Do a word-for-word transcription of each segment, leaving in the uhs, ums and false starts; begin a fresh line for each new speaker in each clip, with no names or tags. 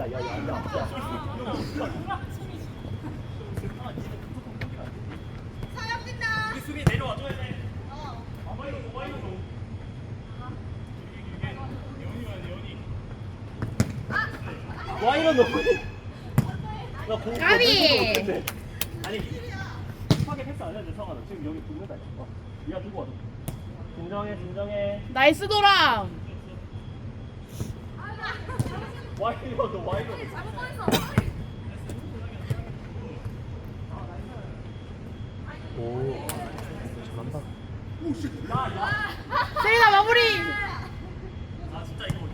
우리 수비 내려와줘야 돼. 와이런 너. 나 공.
까비!
아니. 급하게 패스 안 해도 돼, 성환아. 지금 여기 두 명다. 어. 네가 두고 와줘. 진정해, 진정해.
나이스 도람.
와이런 너, 와이런.
오 잘한다.
세리나 마무리.
아 진짜 이거.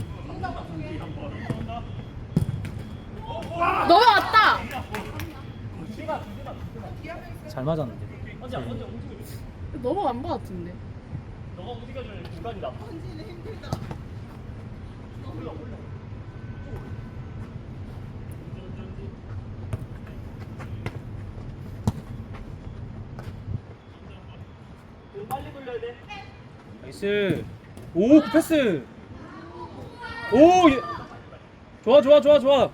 넘어왔다.
잘 맞았는데.
언제 언제 움직여.
넘어간 거 같은데.
너가 움직여줄 공간이다. 빨리 돌려야 돼.
나이스. 오, 그 패스. 오, 예. 좋아, 좋아, 좋아, 좋아.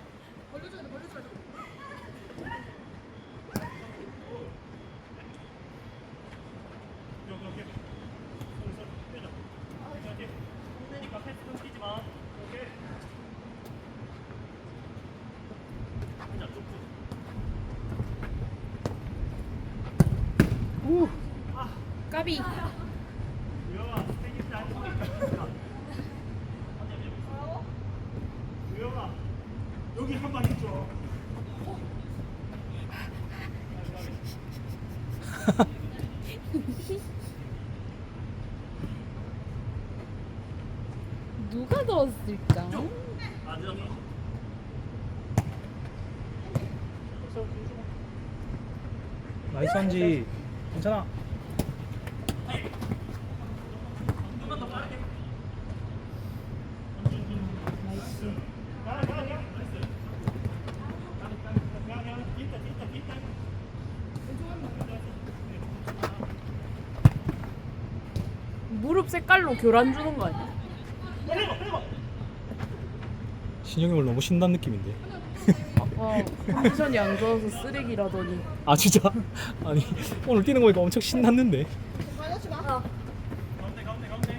오. 까비.
여기 한 번 해줘.
누가 넣었을까?
아, 저기.
나이스 한지. 괜찮아.
무릎 색깔로 교란 주는 거 아니야?
신영이 오늘 너무 신난 느낌인데.
어, 컨디션이 안 좋아서 쓰레기라더니.
아 진짜? 아니 오늘 뛰는 거 보니까 엄청 신났는데.
가운데, 가운데, 가운데.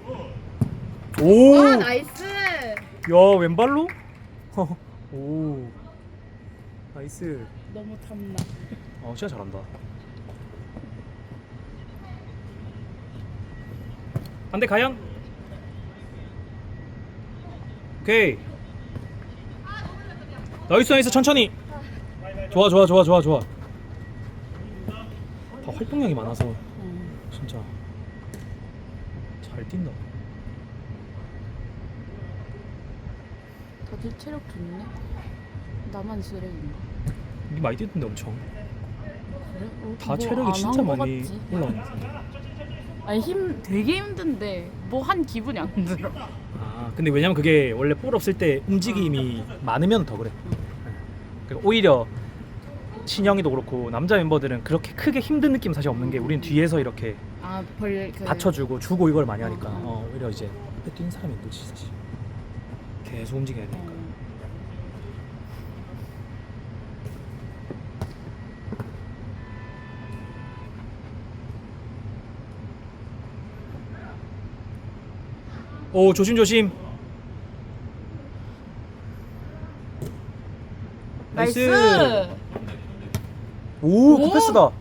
오.
아, 나이스.
야 왼발로? 오. 나이스.
너무 탐나.
어 진짜 잘한다. 반대 가연. 오케이. 나이스 나이스 천천히. 좋아 좋아 좋아 좋아 좋아. 다 활동량이 많아서
음.
진짜 잘 뛴다.
다들 체력 좋네. 나만 쓰레기인가?
이게 많이 뛰던데 엄청.
그래? 어,
다
뭐
체력이
안
진짜
한거
많이
같지?
올라왔네.
아니 힘 되게 힘든데 뭐 한 기분이 안 들어.
아 근데 왜냐면 그게 원래 볼 없을 때 움직임이 많으면 더 그래. 그러니까 오히려 신영이도 그렇고 남자 멤버들은 그렇게 크게 힘든 느낌 사실 없는 게 우리는 뒤에서 이렇게
아벌 그...
받쳐주고 주고 이걸 많이 하니까
어, 어.
어, 오히려 이제 앞에 뛰는 사람이 힘들지 사실. 계속 움직여야 되니까.
어.
오 조심 조심. 나이스.
나이스.
오,
오.
그 패스다.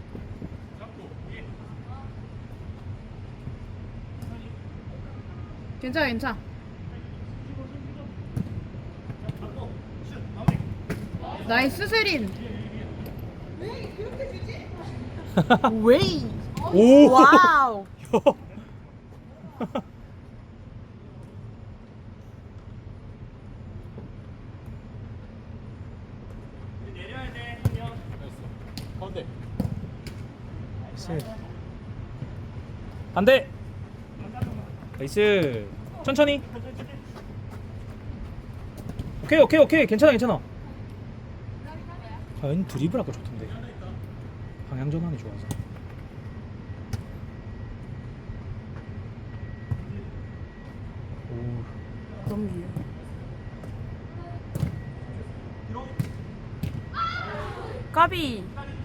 괜찮아 괜찮아. 나이스 세린. 웨이.
오.
와우.
내려야 돼, 형. 가운데.
나이스. 반대. 나이스. 천천히. 오케이 오케이 오케이 괜찮아 괜찮아. 과연 드리블 아까 좋던데. 방향 전환이 좋아서. 오.
너무 귀여워. 까비.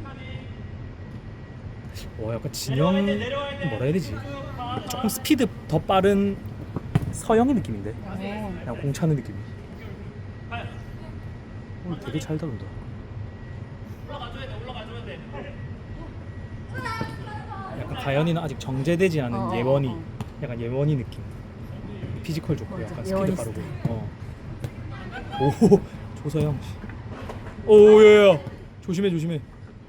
와 약간 진영 뭐라 해야 되지? 조금 스피드 더 빠른 서영의 느낌인데
어.
그냥 공 차는 느낌이. 어, 되게 잘 다룬다. 약간 가연이는 아직 정제되지 않은
어, 어,
예원이
어.
약간 예원이 느낌. 피지컬 좋고
맞아,
약간 스피드
예원이
빠르고.
스타일.
어. 오 조서영. 오야야 조심해 조심해.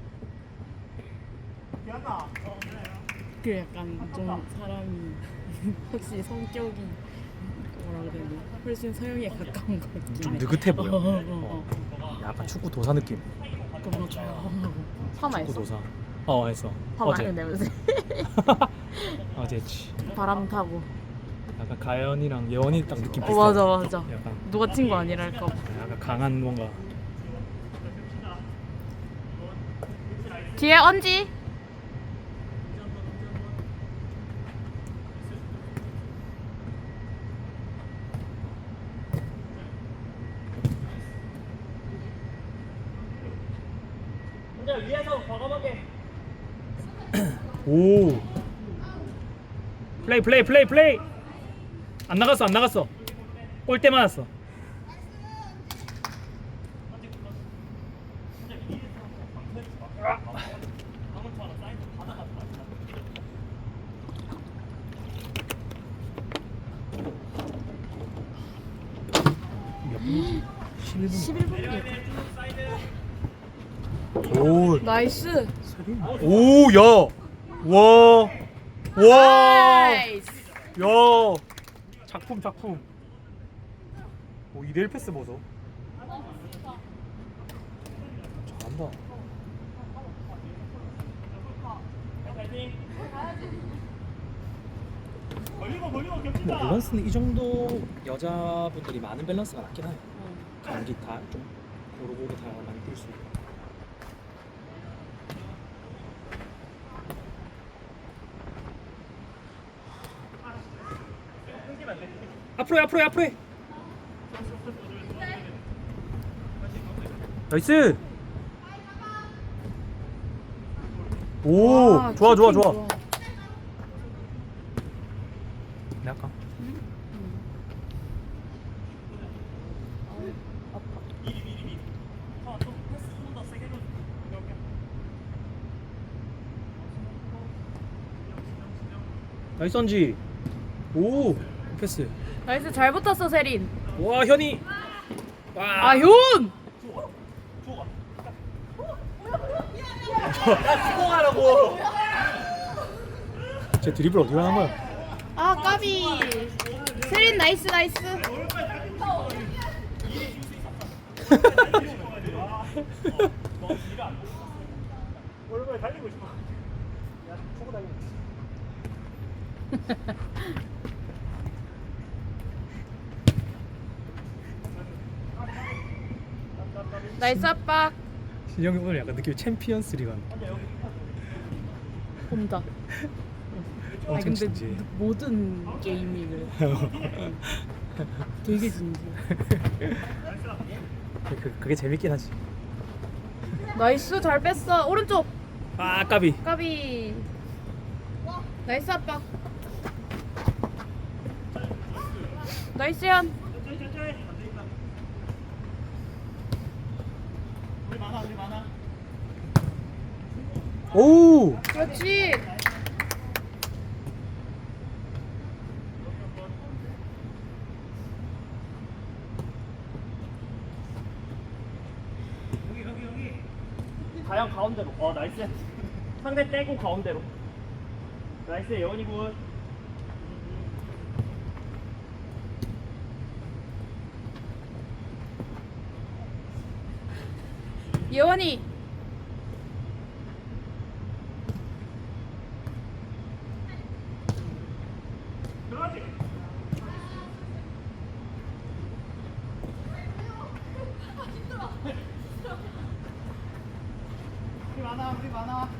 그 약간 좀 사람이 확실히 성격이 뭐라 그래야 되나 훨씬 서영이에 가까운 것 같긴
좀
해.
느긋해 보여.
어, 어, 어, 어.
약간 축구 도사 느낌.
그 뭔가 조용하고 파마
축구
했어?
도사. 어 했어.
파마
어제.
했네 요새.
어제 했지.
바람 타고.
약간 가연이랑 예원이 딱 느낌 비슷해.
어 맞아 맞아.
약간
누가 친구 아니랄까 봐.
약간 강한 뭔가.
뒤에 언지.
혼자 위에서 과감하게.
오. 플레이 플레이 플레이 플레이. 안 나갔어 안 나갔어. 골대 맞았어. 몇 분이지? 십일 분.
십일 분이야.
오.
나이스.
오, 야. 와. 와.
나이스.
야. 작품 작품. 오, 이 대 일 패스 보소. 잘한다.
멀리고 멀리고
뭐
겹친다.
밸런스는 이 정도 여자분들이 많은 밸런스가 낫긴 해. 감기 다 좀 고루고루 다 많이 뛸 수 있고. 앞으로 해, 앞으로 해, 앞으로 해. 나이스. 오,
와,
좋아, 좋아,
키핑
좋아. 내 할까? 나이스 언지. 오, 패스.
나이스 잘 붙었어 세린.
와, 현이. 와.
아 효은.
수고하라고.
제 드리블 어디로 하는 거야?
아 까비. 세린 나이스 나이스.
오랜만에 달리고 싶어. 야, 초고 달리고 싶어.
나이스 압박.
진영이 오늘 약간 느낌이 챔피언스 리그 같네.
혼자. 아
엄청
근데
진지해.
모든 게임이 그래. 되게 진지해.
그, 그게 재밌긴 하지.
나이스 잘 뺐어. 오른쪽.
아, 까비.
까비. 나이스 압박. 나이스 현.
천천히 천천히. 안 되겠다. 우리 많아 우리 많아.
오!
그렇지.
다양 가운데로. 어 나이스. 상대 떼고 가운데로. 나이스 예원이 군.
예원이.
들어가지. 우리 많아 우리 많아.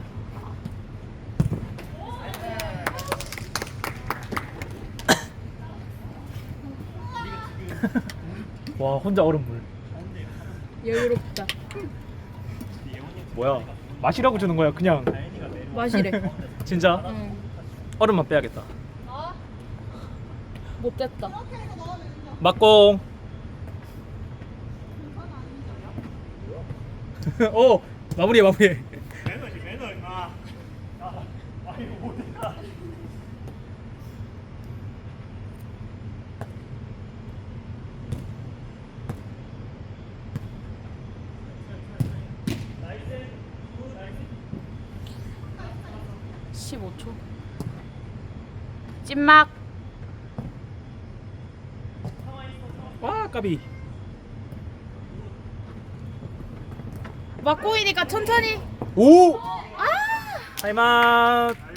와, 혼자 얼음물.
여유롭다.
뭐야? 마시라고 주는 거야? 그냥
마시래.
진짜
응.
얼음만 빼야겠다.
못 됐다.
막공. 오 마무리해 마무리해.
매너지 매너 임마. 아, 아 이거 못했다.
십오 초. 찐막.
와 까비.
막고이니까 천천히.
오. 타임아웃.